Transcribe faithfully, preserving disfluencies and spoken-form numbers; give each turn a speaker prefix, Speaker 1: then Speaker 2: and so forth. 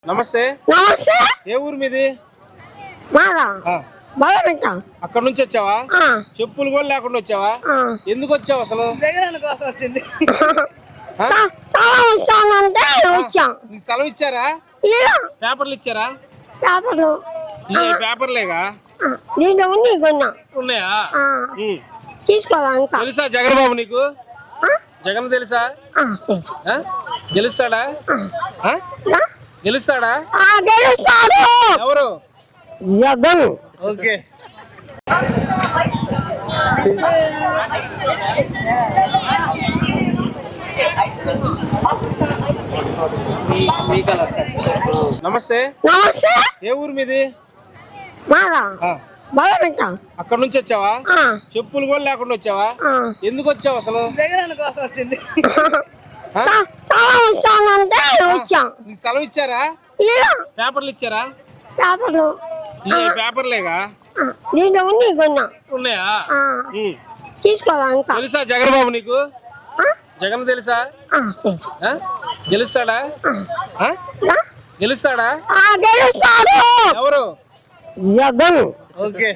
Speaker 1: నమస్తే.
Speaker 2: నమస్తే.
Speaker 1: ఏ ఊరు మీది?
Speaker 2: మాదా బలమింట.
Speaker 1: అక్కడ నుంచి వచ్చావా? చెప్పులు కూడా లేకుండా వచ్చావా? ఎందుకు వచ్చావు అసలు?
Speaker 3: జగన్ కోసం వచ్చింది.
Speaker 2: స్థలం ఇచ్చానంటే వచ్చాం.
Speaker 1: నీకు స్థలం ఇచ్చారా? పేపర్లు ఇచ్చారా?
Speaker 2: పేపర్లు
Speaker 1: పేపర్లేగా
Speaker 2: దీంట్లో ఉంది కొన్నా
Speaker 1: ఉన్నాయా?
Speaker 2: తీసుకోవాలి.
Speaker 1: తెలుసా జగన్ బాబు నీకు? జగన్ తెలుసా? గెలుస్తాడా? గెలుస్తాడా?
Speaker 2: గెలుస్తాడు.
Speaker 1: ఎవరు?
Speaker 2: జగన్.
Speaker 1: ఓకే. నమస్తే.
Speaker 2: నమస్తే.
Speaker 1: ఏ ఊరు మీది?
Speaker 2: మాదా బలమింట.
Speaker 1: అక్కడ నుంచి వచ్చావా? చెప్పులు కూడా లేకుండా వచ్చావా? ఎందుకు వచ్చావు అసలు?
Speaker 3: జగన్ కోసం వచ్చింది.
Speaker 2: స్థలం ఇచ్చానంటే వచ్చాం.
Speaker 1: నీకు స్థలం ఇచ్చారా? పేపర్లు ఇచ్చారా?
Speaker 2: పేపర్లు
Speaker 1: పేపర్లేగా
Speaker 2: దీంట్లో ఉంది కొన్నా
Speaker 1: ఉన్నాయా?
Speaker 2: తీసుకోవాలి.
Speaker 1: తెలుసా జగన్ బాబు నీకు? జగన్ తెలుసా? గెలుస్తాడా? గెలుస్తాడా?
Speaker 2: గెలుస్తాడు.
Speaker 1: ఎవరు?
Speaker 2: జగన్.
Speaker 1: ఓకే.